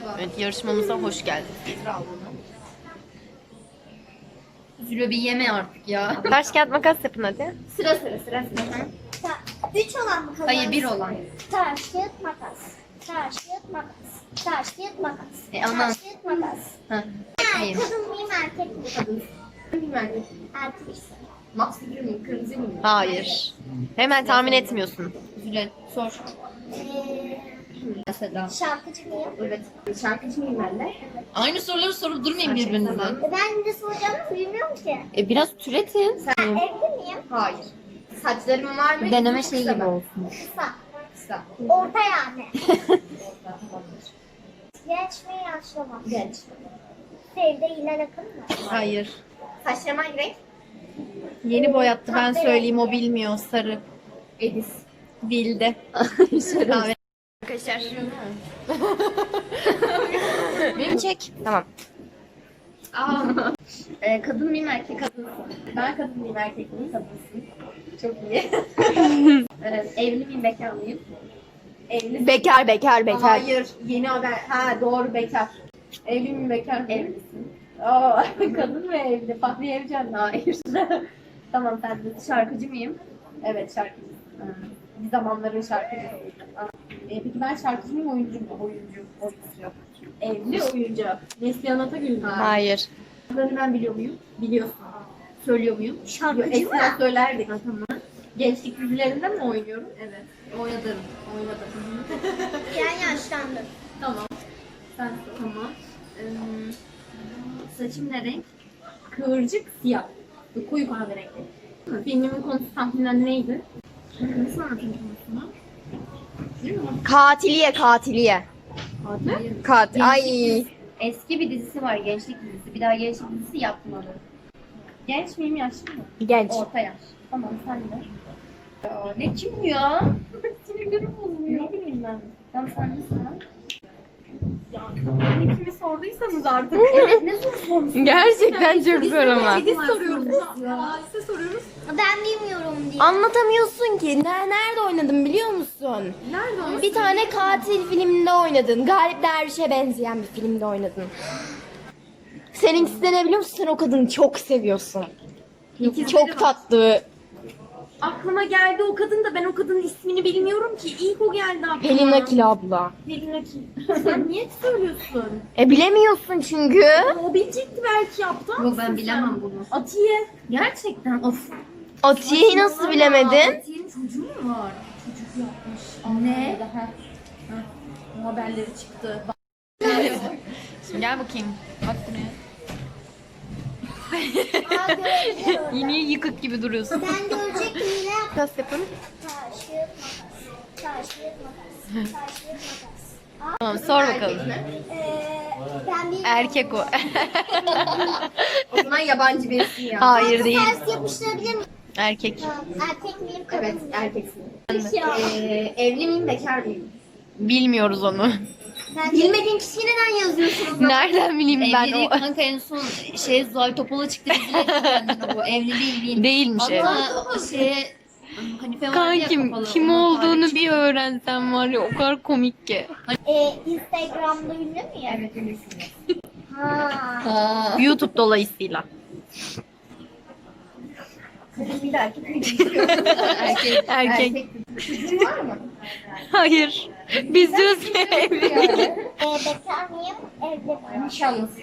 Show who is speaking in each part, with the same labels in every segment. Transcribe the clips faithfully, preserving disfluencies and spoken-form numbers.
Speaker 1: Evet, yarışmamıza hoş geldiniz.
Speaker 2: Zülo bir yeme artık ya.
Speaker 1: Taş kağıt makas yapın hadi.
Speaker 2: Sıra sıra sıra sıra.
Speaker 3: Üç olan mı kazansın?
Speaker 2: Hayır bir olan.
Speaker 3: Taş, kağıt, makas. Taş, kağıt, makas. Taş, kağıt, makas.
Speaker 2: E, aman.
Speaker 3: Taş, kağıt, makas.
Speaker 2: Ha. Hayır.
Speaker 3: Kadın mıyım, erkek miyim?
Speaker 2: Kadın. Bilmem.
Speaker 3: Erkek.
Speaker 2: Max bilir miyim? Kırmızı mıyım?
Speaker 1: Hayır. Hemen tahmin etmiyorsun.
Speaker 2: Zülo sor.
Speaker 3: Ee,
Speaker 2: Mesela.
Speaker 3: şarkıcı mıyım?
Speaker 2: Evet. Şarkıcı mıyım ben de? Aynı soruları sorup durmayın birbirinize.
Speaker 3: E, ben de soracağımı bilmiyorum ki.
Speaker 1: E biraz türetin.
Speaker 3: Ben evli miyim?
Speaker 2: Hayır. Saçlarım var mı?
Speaker 1: Deneme
Speaker 2: Kısa
Speaker 1: şeyi
Speaker 2: mı?
Speaker 1: gibi olsun.
Speaker 3: Kısa.
Speaker 2: Kısa.
Speaker 3: Orta yani. Genç mi, yaşlı mı?
Speaker 2: Genç.
Speaker 3: Sevde ile yakın mı?
Speaker 1: Hayır.
Speaker 2: Saçlarım hangi renk?
Speaker 1: Yeni boyattı, ben söyleyeyim, o bilmiyor. Sarı.
Speaker 2: Edis.
Speaker 1: Bildi. Kahve.
Speaker 2: Arkadaşlar.
Speaker 1: Beni çek. Tamam.
Speaker 2: Aa. Ee, kadın mıyım erkek kadınsın? Ben kadın mıyım erkek miyim kadınsın? Çok iyi. evet, evli miyim bekar mıyım? Evli.
Speaker 1: Bekar, bekar, bekar.
Speaker 2: Hayır, yeni haber. Ha doğru bekar. Evli miyim bekar mıyım? Evlisin. Aa, kadın mı evli? Fahri Evcen mi? Hayır. Tamam sen de şarkıcı mıyım? Evet şarkıcı. Ha. Bir zamanların şarkıcısıydım. Aa. Ee, peki ben şarkıcı mıyım oyuncu mu? Oyuncu. Oyuncu. Evli oyuncu. Neslihan Atagül mü?
Speaker 1: Hayır.
Speaker 2: Şarkılarını ben biliyor muyum? Biliyorsun. Söylüyor muyum?
Speaker 3: Şarkıcı mı?
Speaker 2: Eskiden söylerdik. Ha, tamam. Gençlik dizilerinde mi oynuyorum? Evet. Oynadım. Oynadım.
Speaker 3: Ben yaşlandım.
Speaker 2: Tamam. Sen tamam. Ee, saçım ne renk? Kıvırcık siyah. Koyu kahverengi. Filmimin konusu tahminen neydi? Nasıl anlatayım konusunu? Değil mi?
Speaker 1: Katiliye, katiliye.
Speaker 2: Adil.
Speaker 1: Kat. Ay.
Speaker 2: Eski bir dizisi var, gençlik dizisi. Bir daha gençlik dizisi yapmadı. Genç miyim, yaşlı mı?
Speaker 1: Genç.
Speaker 2: Orta yaş. Tamam, sen de. Ya, ne kim bu ya? Sinirlerim bozuluyor. Ne bileyim ben. Tamam, sen de sana. Ya, ne kimi sorduysanız artık. Evet, ne soru sormuşsunuz?
Speaker 1: Gerçekten çok zor ama.
Speaker 2: Biz soruyoruz. Ya, size soruyoruz.
Speaker 3: Ben bilmiyorum diye.
Speaker 1: Anlatamıyorsun ki. Ne- Nerede oynadın biliyor musun?
Speaker 2: Nerede o?
Speaker 1: Bir tane katil filminde oynadın. Galip Derviş'e benzeyen bir filmde oynadın. Seninkisi de ne biliyor musun? Sen o kadını çok seviyorsun.
Speaker 2: İkizleri
Speaker 1: Çok
Speaker 2: var.
Speaker 1: tatlı.
Speaker 2: Aklıma geldi o kadın da ben o kadının ismini bilmiyorum ki. İlk o geldi aklıma.
Speaker 1: Pelin Akil abla.
Speaker 2: Pelin Akil. Sen niye söylüyorsun?
Speaker 1: E bilemiyorsun çünkü.
Speaker 2: O bilecekti belki yaptı. Yok ben bilemem bunu. Atiye. Gerçekten of.
Speaker 1: Atiye'yi nasıl bilemedin?
Speaker 2: Atiye'nin çocuğu mu var? Çocuk yapmış. Ne? Bu haberleri çıktı.
Speaker 1: Şimdi gel bakayım. Bak buraya.
Speaker 3: Aa, görebilirim orada.
Speaker 1: Yine yıkık gibi duruyorsun.
Speaker 3: Ben görecektim yine.
Speaker 1: Nasıl yapalım?
Speaker 3: Taş, kağıt, makas. Taş, kağıt, makas. Taş, kağıt, makas.
Speaker 1: Tamam, sor bakalım.
Speaker 3: Ee, ben bir
Speaker 1: Erkek o.
Speaker 2: O zaman yabancı birisi ya.
Speaker 1: Hayır değil.
Speaker 3: ters yapıştırabilir miyim?
Speaker 1: Erkek.
Speaker 3: Erkek miyim, kadın
Speaker 2: Evet
Speaker 3: mıyım?
Speaker 2: erkeksin.
Speaker 3: Ya.
Speaker 2: Ee, evli miyim bekar mıyım?
Speaker 1: Bilmiyoruz onu.
Speaker 3: Ben
Speaker 2: Bilmediğim kişiyi neden yazıyorsunuz?
Speaker 1: Nereden bileyim ben
Speaker 2: Evliliği
Speaker 1: o?
Speaker 2: kanka en son şey Zuhal Topal'a çıktı diziyle kendine bu evli değil değil.
Speaker 1: Değilmiş ev.
Speaker 2: Ama şeye Hanife var ya
Speaker 1: Kankim
Speaker 2: kapalı,
Speaker 1: kim
Speaker 2: onun
Speaker 1: olduğunu
Speaker 2: tarihi
Speaker 1: bir öğrensen var ya, o kadar komik ki.
Speaker 3: Ee, Instagram'da ünlü müyüm?
Speaker 2: Evet ünlüsün.
Speaker 3: Ha.
Speaker 1: YouTube dolayısıyla.
Speaker 2: Kadın bir de erkek mi? Erkek.
Speaker 1: Erkek.
Speaker 2: Çocuğun var mı?
Speaker 1: Hayır. Biz diyoruz ki evli.
Speaker 3: Ee, bekar mıyım? Evli miyim?
Speaker 2: Nişanlısı.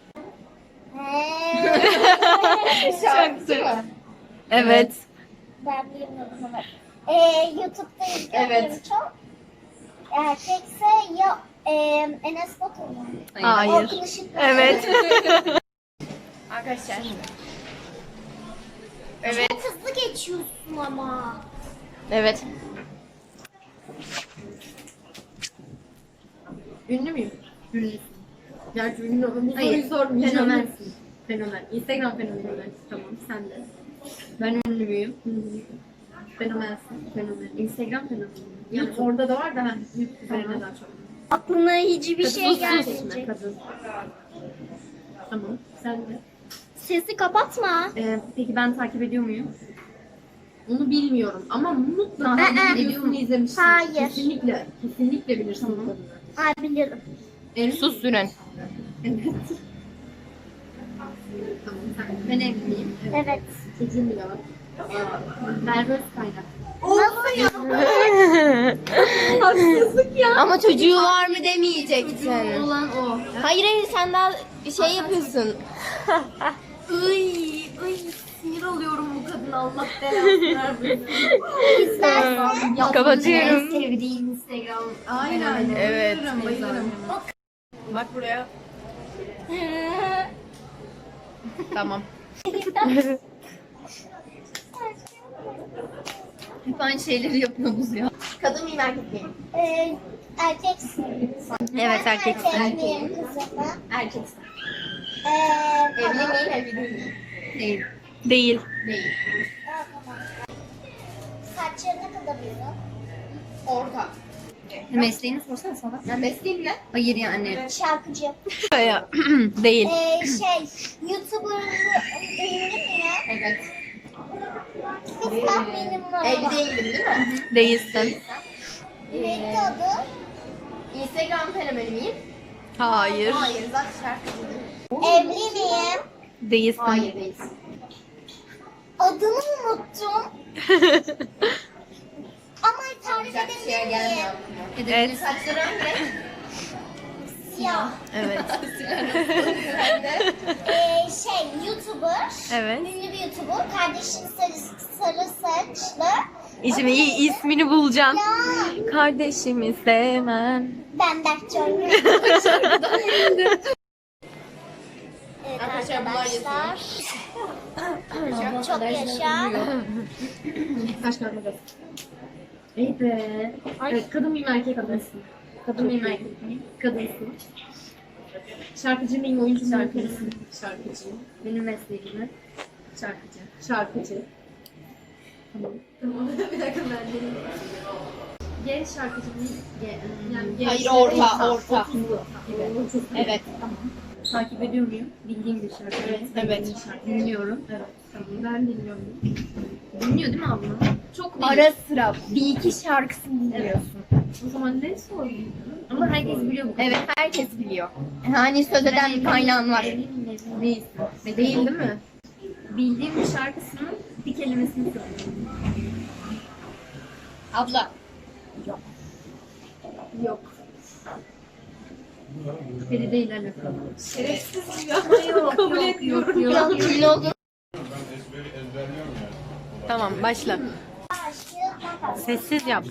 Speaker 3: He.
Speaker 2: Şarkıcı mı?
Speaker 1: Evet.
Speaker 3: Ben bilmiyordum ama. Ee, YouTube'da izliyorum
Speaker 2: Evet.
Speaker 3: çok. Erkekse ya e, Enes Batur mu?
Speaker 1: Hayır.
Speaker 3: Orkun Işıtma.
Speaker 1: Evet.
Speaker 2: Arkadaşlar.
Speaker 3: Çok hızlı geçiyorsun ama.
Speaker 1: Evet.
Speaker 2: Ünlü müyüm? Ünlüsün. Gerçi ünlü olun. Bu
Speaker 1: Hayır,
Speaker 2: soruyu sormayacağım. Fenomensin. Fenomen. Instagram fenomeni. Tamam sen de. Ben ünlü müyüm? Ünlüyüm. Fenomensin. Fenomen. Instagram fenomeni. Yani orada da var da ha. YouTube üzerine daha çok.
Speaker 3: Aklına hiçbir şey
Speaker 2: Kadın
Speaker 3: gelmeyecek.
Speaker 2: kadın. Tamam. Sen de.
Speaker 3: Sesi kapatma.
Speaker 2: Ee, peki ben takip ediyor muyum? Onu bilmiyorum ama mutlaka
Speaker 3: Aa,
Speaker 2: videosunu izlemişsin.
Speaker 3: hayır.
Speaker 2: Kesinlikle. Kesinlikle bilirsin bu kadını.
Speaker 3: Ay bilirim.
Speaker 1: Su sürün.
Speaker 2: Tamam sen. Ben evliyim.
Speaker 3: Evet.
Speaker 2: Çocuğum bile var. Merve Özkaynak. Haksızlık ya.
Speaker 1: Ama çocuğu var mı demeyeceksin.
Speaker 2: Olan o.
Speaker 1: Hayır hayır sen daha şey yapıyorsun.
Speaker 2: Iy, iy sinir oluyorum bu kadına Allah belasını vermesin.
Speaker 3: İstersen.
Speaker 1: Kapatıyorum.
Speaker 2: En sevdiğim Instagram. Aynen.
Speaker 1: Evet.
Speaker 2: Bayılırım, bayılırım.
Speaker 1: Bak buraya. Tamam.
Speaker 2: Hep aynı şeyleri yapıyoruz ya.
Speaker 1: Kadın mıyım erkek miyim?
Speaker 3: Ee, erkeksin.
Speaker 1: Evet
Speaker 3: Ben
Speaker 1: erkeksin.
Speaker 3: Erkek miyim kızım?
Speaker 1: Erkeksin.
Speaker 3: Ee,
Speaker 1: Evli
Speaker 3: tamam.
Speaker 1: miyim evli değilim?
Speaker 2: Değil.
Speaker 1: Değil. Değil.
Speaker 3: Aa, tamam. Saçları ne kadar uzun?
Speaker 1: Orta.
Speaker 2: Mesleğini sorsana sana.
Speaker 1: Ya mesleğim ne?
Speaker 2: Hayır yani.
Speaker 3: Şarkıcı.
Speaker 1: Değil.
Speaker 3: Ee, şey, YouTuber ünlü mü ya?
Speaker 1: Evet.
Speaker 3: Bir tahminim var.
Speaker 1: Evli değilim değil mi?
Speaker 2: Değilsin.
Speaker 3: Neydi adı?
Speaker 1: Instagram fenomeni miyim?
Speaker 2: Hayır.
Speaker 1: Hayır zaten şarkıcı değilim.
Speaker 3: Evli miyim?
Speaker 2: Değilsin.
Speaker 1: Hayır değilsin.
Speaker 3: Adını unuttum. Ama tarif
Speaker 1: Güzel bir şeye
Speaker 3: edebilir
Speaker 1: gelmiyor
Speaker 3: miyim?
Speaker 1: aklıma.
Speaker 2: Evet.
Speaker 1: Saçları hangi renk?
Speaker 3: Siyah.
Speaker 2: Evet.
Speaker 3: Ee, şey, YouTuber.
Speaker 2: Evet.
Speaker 3: Ünlü bir YouTuber. Kardeşin sarı, sarı saçlı.
Speaker 2: İsmi, ismini bulacağım.
Speaker 3: Ya,
Speaker 2: Kardeşimi sevmem.
Speaker 3: ben Berkcan. Evet
Speaker 1: Arkadaşlar bunlar
Speaker 3: arkadaşlar. Çok yaşa.
Speaker 2: Kaç kağıt makas? İyi be. Evet, kadın mıyım erkek kadınsın? Kadın mıyım erkek miyim? Kadınsın. Şarkıcı mıyım oyuncu muyum? Şarkıcısın. Şarkıcıyım. Benim mesleğim ne? Şarkıcı. Şarkıcı. Tamam. Tamam. Bir dakika ben deneyim. Genç şarkıcı mıyım? Ge- Yani genç
Speaker 1: Hayır, orta, orta.
Speaker 2: otuzlu gibi.
Speaker 1: Evet.
Speaker 2: Tamam. Takip ediyor muyum? Bildiğim bir şarkı. Evet.
Speaker 1: Evet.
Speaker 2: Bir şarkı. Dinliyorum. Evet. Tamam. Ben dinliyorum. Dinliyor değil mi abla? Çok değil.
Speaker 1: Ara sıra bir iki şarkısını dinliyorsun.
Speaker 2: O zaman ne sorayım? Ama herkes biliyor bu kadar.
Speaker 1: Evet herkes biliyor. Hani söz eden bir kaynağın var.
Speaker 2: Değilsin. Değil değil mi? Bildiğim bir şarkısının bir kelimesini söylüyorum.
Speaker 1: Abla.
Speaker 2: Yok. Feride ile alakalı.
Speaker 1: Şerefsiz ya.
Speaker 2: Yok, kabul etmiyorum. Yok, yok.
Speaker 1: Kimin olduğunu
Speaker 2: Tamam başla.
Speaker 3: Taş, kağıt, makas.
Speaker 2: Sessiz yap.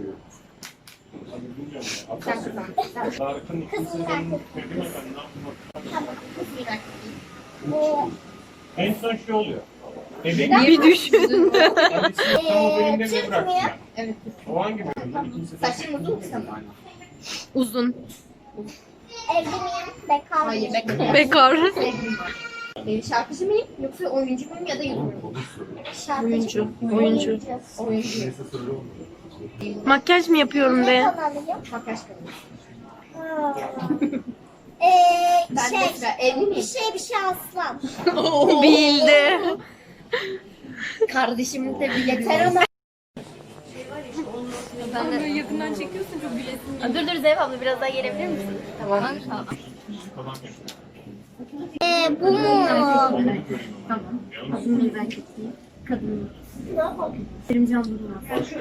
Speaker 1: sen kazan.
Speaker 3: Kız mı erkek? Tamam.
Speaker 1: Tamam.
Speaker 3: Ee,
Speaker 4: En son şey oluyor. Bebek
Speaker 2: Bir düşün.
Speaker 4: kendisi tam o bölümde
Speaker 3: Türk
Speaker 4: mi bıraktı
Speaker 3: müyüm?
Speaker 4: ya?
Speaker 1: Evet.
Speaker 4: O hangi bölümde? İkinci
Speaker 1: Saçın uzun mu senin?
Speaker 2: Uzun.
Speaker 3: Evli miyim? Bekar
Speaker 1: Hayır
Speaker 3: mıyım?
Speaker 1: bekle.
Speaker 2: Bekar.
Speaker 1: Sevgilim var. Ee, şarkıcı mıyım yoksa oyuncu muyum ya da YouTuber muyum?
Speaker 3: Şarkıcı.
Speaker 2: Oyuncu, oyuncu.
Speaker 1: Oyuncu.
Speaker 2: Makyaj mı yapıyorum
Speaker 3: Ne
Speaker 2: de?
Speaker 3: kanalıyım?
Speaker 1: Makyaj kadın.
Speaker 3: Ha. Ee,
Speaker 1: Ben de
Speaker 3: şey,
Speaker 1: sıra evli
Speaker 3: bir
Speaker 1: miyim?
Speaker 3: şey bir şey aslan.
Speaker 2: Bildi.
Speaker 1: Kardeşim de bir yeter ama.
Speaker 2: Ben de yakından çekiyorsun çok gülesin.
Speaker 1: Dur dur Zeynep abla biraz daha gelebilir misin? Tamam.
Speaker 3: Ee, bu mu?
Speaker 2: Tamam. Kadın mıyım erkek miyim? Kadın mıyım? Kerimcan Durmaz.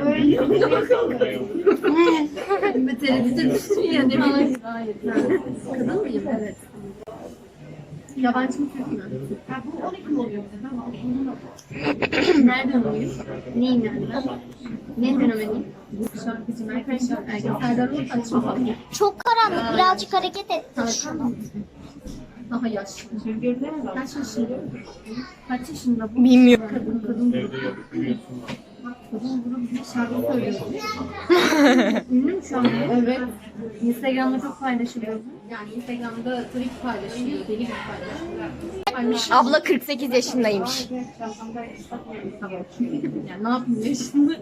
Speaker 2: Ve tereddüte düştün ya ne bileyim. Hayır. Kadın mıyım? Evet. Yabancı mı Türk mü? Ha, bu on iki mi oluyor? Nereden oluyor? Neyim yani ben? Ne fenomeniyim? Şarkıcı, erkek şarkıcı. Serdar Ortaç mı?
Speaker 3: Çok karanlık. Birazcık hareket et.
Speaker 2: Daha yaşlı. Kaç yaşında? Kaç yaşında bu?
Speaker 1: Bilmiyorum.
Speaker 2: Kadın, kadın grubu.
Speaker 4: Evde yapıyorsun.
Speaker 2: Kadın grubu bir şarkı söylüyor. Ünlü mü şu an? Evet. Instagram'da çok paylaşılıyor. Yani Instagram'da tabii ki paylaşılıyor. Deli gibi paylaşılıyor.
Speaker 1: Abla kırk sekiz yaşındaymış.
Speaker 2: Tamam. Yani ne yapayım yaşında?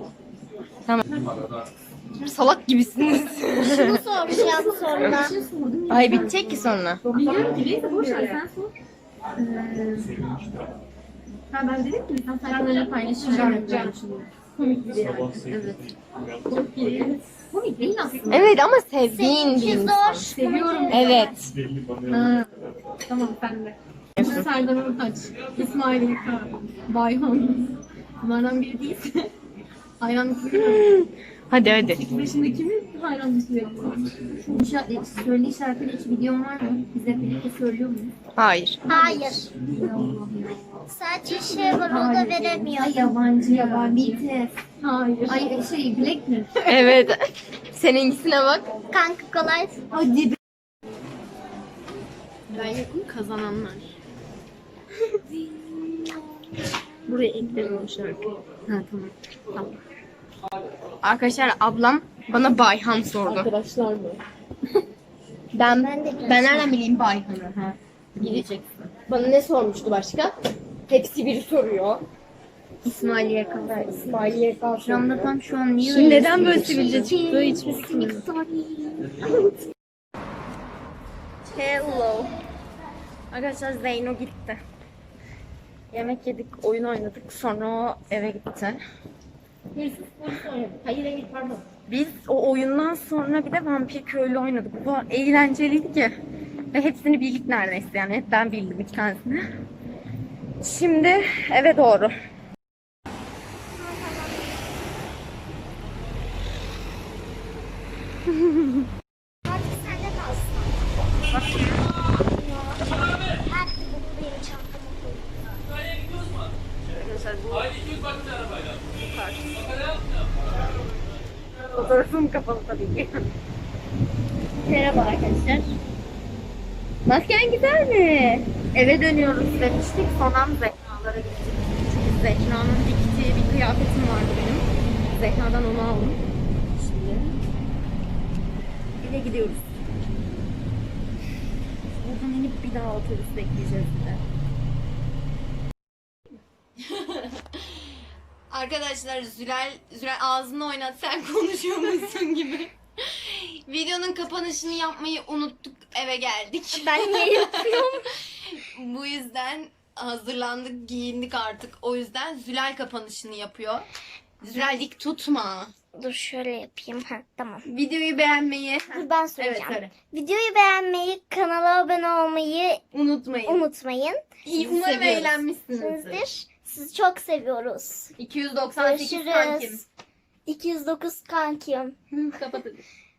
Speaker 1: Salak gibisiniz.
Speaker 3: Şunu soracağım sonra.
Speaker 1: Ay bitecek ki sonra.
Speaker 2: Biliyorum ki neyse boş ver sen sor. Ee, ha ben dedim ki sen sayfalarla paylaşacağım. Komik biri yani.
Speaker 4: Sabah sekizde
Speaker 2: Evet.
Speaker 4: uyandım.
Speaker 2: Komik biri. Komik değil aslında.
Speaker 1: Evet ama sevdiğin bir
Speaker 3: Seninki
Speaker 1: insan.
Speaker 3: zor.
Speaker 2: Seviyorum.
Speaker 1: Evet.
Speaker 4: Belli bana
Speaker 2: Ha.
Speaker 4: yapacak.
Speaker 2: Tamam sen de. Serdar Ortaç, İsmail Yıka, Bayhan. Bunlardan biri değilse hayranlık duyuyorum.
Speaker 1: Hadi hadi.
Speaker 2: Beşinde kimi hayranlık duyuyorum? Söyle şarkıyla hiç videon var mı? Biz hep birlikte söylüyor muyuz?
Speaker 1: Hayır.
Speaker 3: Hayır. Sadece şey var, o da veremiyor.
Speaker 2: Ay yabancı yabancı. B T S. Hayır. Ay şey Blackpink.
Speaker 1: Evet. Seninkisine bak.
Speaker 3: Kanka kolay.
Speaker 2: Hadi be. Ben yokum kazananlar. Buraya eklerim o şarkıyı. Ha tamam. Tamam.
Speaker 1: Arkadaşlar ablam bana Bayhan sordu.
Speaker 2: Arkadaşlar mı?
Speaker 1: Ben
Speaker 3: Ben de
Speaker 1: ben nereden bileyim Bayhan'ı? Ha.
Speaker 2: Bileceksin.
Speaker 1: Bana ne sormuştu başka? Hepsi biri soruyor.
Speaker 2: İsmail Yakan.
Speaker 1: Ha, İsmail Yeka
Speaker 2: Şu anda tam şu an niye
Speaker 1: Şimdi
Speaker 2: öyle
Speaker 1: neden böyle
Speaker 2: sivilce
Speaker 1: sivilce
Speaker 2: çıktı hiçbir fikrim yok.
Speaker 1: Hello. Arkadaşlar Zeyno gitti. Yemek yedik, oyun oynadık. Sonra o eve gitti.
Speaker 2: Hırsız polis oynadı. Hayır hayır pardon.
Speaker 1: Biz o oyundan sonra bir de vampir köylü oynadık. Bu kadar eğlenceliydi ki. Ve hepsini bildik neredeyse yani. Hep ben bildim iki tanesini. Şimdi eve doğru.
Speaker 3: Artık sende kalsın. Her bu benim çantama koy.
Speaker 1: Fotoğrafım kapalı tabii ki.
Speaker 2: Merhaba arkadaşlar.
Speaker 1: Masken güzel mi? Eve dönüyoruz demiştik. Sonra Zehra'lara gittik. Çünkü Zehra'nın diktiği bir kıyafetim vardı benim. Zehra'dan onu aldım. Şimdi eve gidiyoruz. Buradan inip bir daha otobüs bekleyeceğiz bir de. Arkadaşlar Zülal, Zülal ağzını oynat sen konuşuyormuşsun gibi. Videonun kapanışını yapmayı unuttuk, eve geldik.
Speaker 3: Ben niye yapıyorum?
Speaker 1: Bu yüzden hazırlandık, giyindik artık. O yüzden Zülal kapanışını yapıyor. Zülal dik tutma.
Speaker 3: Dur şöyle yapayım. Ha, tamam.
Speaker 1: Videoyu beğenmeyi
Speaker 3: Dur ben
Speaker 1: evet,
Speaker 3: söyleyeceğim.
Speaker 1: söyle.
Speaker 3: Videoyu beğenmeyi, kanala abone olmayı
Speaker 1: Unutmayın.
Speaker 3: unutmayın.
Speaker 1: İyi,
Speaker 3: Sizi
Speaker 1: umarım
Speaker 3: seviyoruz.
Speaker 1: eğlenmişsinizdir.
Speaker 3: Sizdir. Sizi çok seviyoruz.
Speaker 1: iki yüz doksan sekiz sankim.
Speaker 3: Görüşürüz. iki yüz dokuz kankim.
Speaker 1: Kapatın.